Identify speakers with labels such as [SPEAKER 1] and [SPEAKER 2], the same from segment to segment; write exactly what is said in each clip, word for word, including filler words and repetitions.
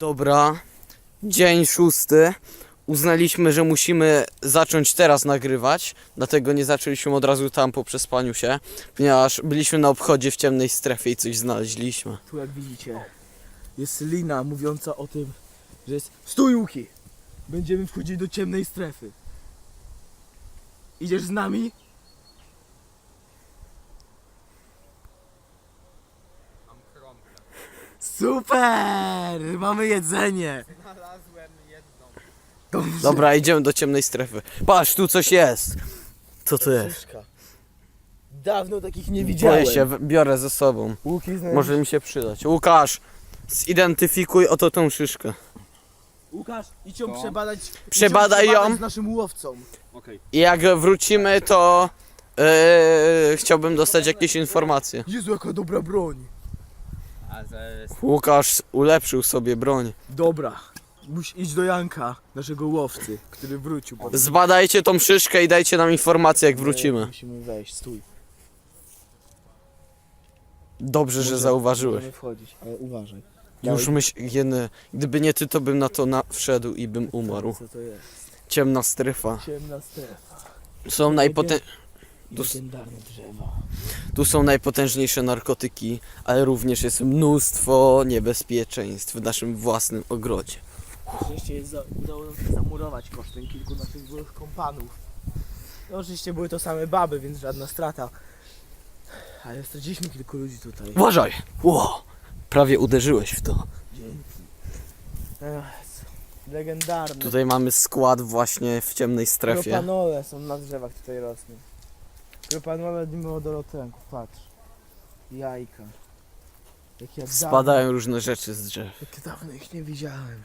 [SPEAKER 1] Dobra, dzień szósty. Uznaliśmy, że musimy zacząć teraz nagrywać, dlatego nie zaczęliśmy od razu tam po przespaniu się, ponieważ byliśmy na obchodzie w ciemnej strefie i coś znaleźliśmy.
[SPEAKER 2] Tu jak widzicie jest lina mówiąca o tym, że jest stój Łuki! Będziemy wchodzić do ciemnej strefy. Idziesz z nami?
[SPEAKER 3] Mam kromkę.
[SPEAKER 2] Super! Mamy jedzenie!
[SPEAKER 3] Znalazłem jedną.
[SPEAKER 2] Dobrze.
[SPEAKER 1] Dobra, idziemy do ciemnej strefy. Patrz, tu coś jest. Co to jest?
[SPEAKER 2] Szyszka. Dawno takich nie widziałem.
[SPEAKER 1] Boję się, w- biorę ze sobą.
[SPEAKER 2] Łuki znajdziesz?
[SPEAKER 1] Może mi się przydać. Łukasz, zidentyfikuj oto tą szyszkę.
[SPEAKER 2] Łukasz, idź ją
[SPEAKER 3] Co?
[SPEAKER 2] przebadać.
[SPEAKER 1] Przebadaj
[SPEAKER 2] idź
[SPEAKER 1] ją.
[SPEAKER 2] z naszym łowcą.
[SPEAKER 3] Okej.
[SPEAKER 1] I jak wrócimy, to yy, chciałbym dostać jakieś informacje.
[SPEAKER 2] Jezu, jaka dobra broń.
[SPEAKER 3] A zaraz...
[SPEAKER 1] Łukasz ulepszył sobie broń.
[SPEAKER 2] Dobra. Musisz iść do Janka, naszego łowcy, który wrócił. po-
[SPEAKER 1] Zbadajcie tą szyszkę i dajcie nam informacje, jak
[SPEAKER 2] Nie,
[SPEAKER 1] wrócimy.
[SPEAKER 2] Musimy wejść, stój.
[SPEAKER 1] Dobrze, że
[SPEAKER 2] Może
[SPEAKER 1] zauważyłeś.
[SPEAKER 2] Możemy wchodzić, ale uważaj.
[SPEAKER 1] Już myśl, jeny, gdyby nie ty, to bym na to na wszedł i bym umarł.
[SPEAKER 2] Co to jest?
[SPEAKER 1] Ciemna strefa.
[SPEAKER 2] Ciemna strefa.
[SPEAKER 1] Są najpotę... Tu s-
[SPEAKER 2] Legendarne drzewa.
[SPEAKER 1] tu są najpotężniejsze narkotyki, ale również jest mnóstwo niebezpieczeństw w naszym własnym ogrodzie.
[SPEAKER 2] Oczywiście jest za, udało nam się zamurować kosztem kilku naszych byłych kompanów. No, oczywiście były to same baby, więc żadna strata. Ale straciliśmy kilku ludzi tutaj.
[SPEAKER 1] Uważaj! Ło! Prawie uderzyłeś w to.
[SPEAKER 2] Dzięki. Ech, legendarne.
[SPEAKER 1] Tutaj mamy skład właśnie w ciemnej strefie.
[SPEAKER 2] Propanole są na drzewach tutaj rosną. Propanole dimodorotlenku, patrz. Jajka. Jak ja dawno,
[SPEAKER 1] Spadają różne rzeczy z drzew.
[SPEAKER 2] jak dawno ich nie widziałem.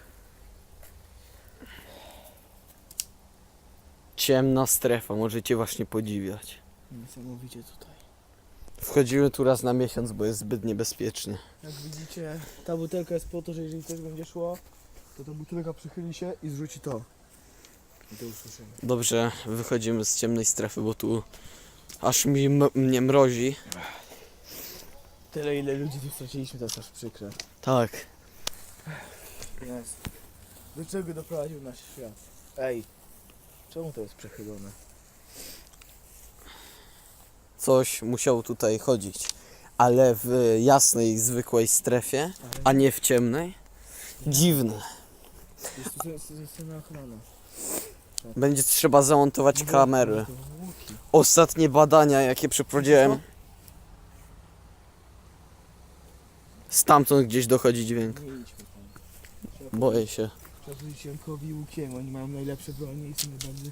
[SPEAKER 1] Ciemna strefa, możecie właśnie podziwiać.
[SPEAKER 2] Niesamowicie tutaj.
[SPEAKER 1] Wchodzimy tu raz na miesiąc, bo jest zbyt niebezpiecznie.
[SPEAKER 2] Jak widzicie, ta butelka jest po to, że jeżeli ktoś będzie szło, to ta butelka przychyli się i zrzuci to. I to usłyszymy.
[SPEAKER 1] Dobrze, wychodzimy z ciemnej strefy, bo tu aż mi m- mnie mrozi.
[SPEAKER 2] Tyle ile ludzi tu straciliśmy, to jest aż przykre.
[SPEAKER 1] Tak.
[SPEAKER 2] Jest. Do czego doprowadził nasz świat? Ej, czemu to jest przechylone?
[SPEAKER 1] Coś musiało tutaj chodzić. Ale w jasnej, zwykłej strefie, a nie w ciemnej. Dziwne.
[SPEAKER 2] Jest tu jest, jest na ochrona.
[SPEAKER 1] Będzie trzeba zamontować kamery.
[SPEAKER 2] To łuki.
[SPEAKER 1] Ostatnie badania, jakie przeprowadziłem. Stamtąd gdzieś dochodzi dźwięk.
[SPEAKER 2] Nie idźmy tam.
[SPEAKER 1] Boję się.
[SPEAKER 2] Trzeba powiedzieć Jankowi i Łukiemu, oni mają najlepsze bronie i są najbardziej...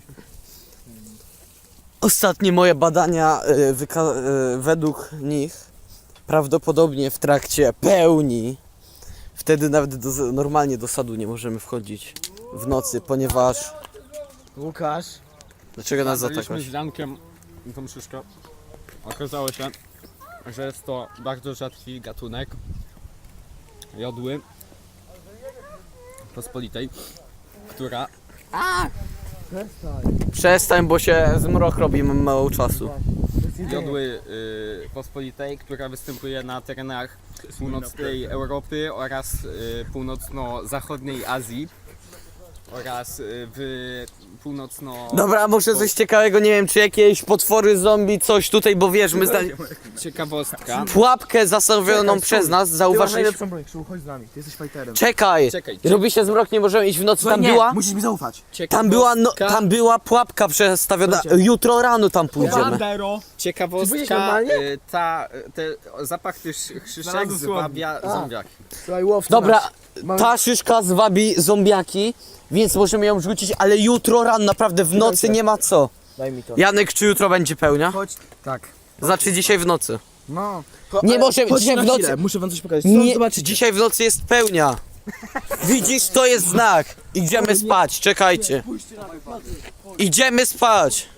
[SPEAKER 1] Ostatnie moje badania y, wyka- y, według nich prawdopodobnie w trakcie pełni, wtedy nawet do, normalnie do sadu nie możemy wchodzić w nocy, ponieważ...
[SPEAKER 2] Łukasz?
[SPEAKER 1] Dlaczego nas
[SPEAKER 3] Zabraliśmy
[SPEAKER 1] zaatakować?
[SPEAKER 3] z Jankiem tą szyszkę. Okazało się, że jest to bardzo rzadki gatunek jodły pospolitej, która
[SPEAKER 2] Przestań.
[SPEAKER 1] Przestań, bo się zmrok robi, mam mało czasu.
[SPEAKER 3] jodły y, pospolitej, która występuje na terenach północnej Europy oraz y, północno-zachodniej Azji oraz y, w północno...
[SPEAKER 1] Dobra, może coś ciekawego, nie wiem, czy jakieś potwory zombie, coś tutaj, bo wiesz, my zna...
[SPEAKER 3] Ciekawostka.
[SPEAKER 1] pułapkę zastawioną
[SPEAKER 2] Czekaj,
[SPEAKER 1] przez
[SPEAKER 2] stój.
[SPEAKER 1] nas,
[SPEAKER 2] Ty masz
[SPEAKER 1] zauważyliśmy...
[SPEAKER 2] najlepszą broń, Krzył, chodź z nami, ty jesteś fighterem.
[SPEAKER 1] Czekaj!
[SPEAKER 3] Czekaj,
[SPEAKER 1] Robi się zmrok, nie możemy iść w nocy, tam
[SPEAKER 2] nie,
[SPEAKER 1] była...
[SPEAKER 2] musisz mi zaufać.
[SPEAKER 1] Tam była, no,
[SPEAKER 3] ciekawostka-
[SPEAKER 1] tam była pułapka przestawiona.
[SPEAKER 2] Słuchajcie.
[SPEAKER 1] Jutro rano tam pójdziemy.
[SPEAKER 2] Bandero! Ty byłeś
[SPEAKER 3] Ciekawostka,
[SPEAKER 2] normalnie?
[SPEAKER 3] y, ta, te, zapach tych szyszek
[SPEAKER 2] Znalazłem
[SPEAKER 3] zwabia
[SPEAKER 2] słownik. A.
[SPEAKER 3] zombiaki.
[SPEAKER 2] Słuchaj, łowca
[SPEAKER 1] Dobra,
[SPEAKER 2] nasz. Mamy-
[SPEAKER 1] ta szyszka zwabi zombiaki, więc możemy ją rzucić, ale jutro rano, naprawdę w nocy nie ma co.
[SPEAKER 2] Daj mi to.
[SPEAKER 1] Janek, czy jutro będzie pełnia?
[SPEAKER 2] Chodź.
[SPEAKER 3] Tak.
[SPEAKER 1] Znaczy dzisiaj w nocy.
[SPEAKER 3] No.
[SPEAKER 1] Nie
[SPEAKER 2] ale
[SPEAKER 1] może-
[SPEAKER 2] chodź
[SPEAKER 1] dzisiaj
[SPEAKER 2] na
[SPEAKER 1] w nocy-
[SPEAKER 2] chwilę, muszę wam coś pokazać.
[SPEAKER 1] Nie,
[SPEAKER 2] Nie, zobaczycie.
[SPEAKER 1] dzisiaj w nocy jest pełnia. Widzisz, to jest znak. Idziemy spać, czekajcie. Idziemy spać.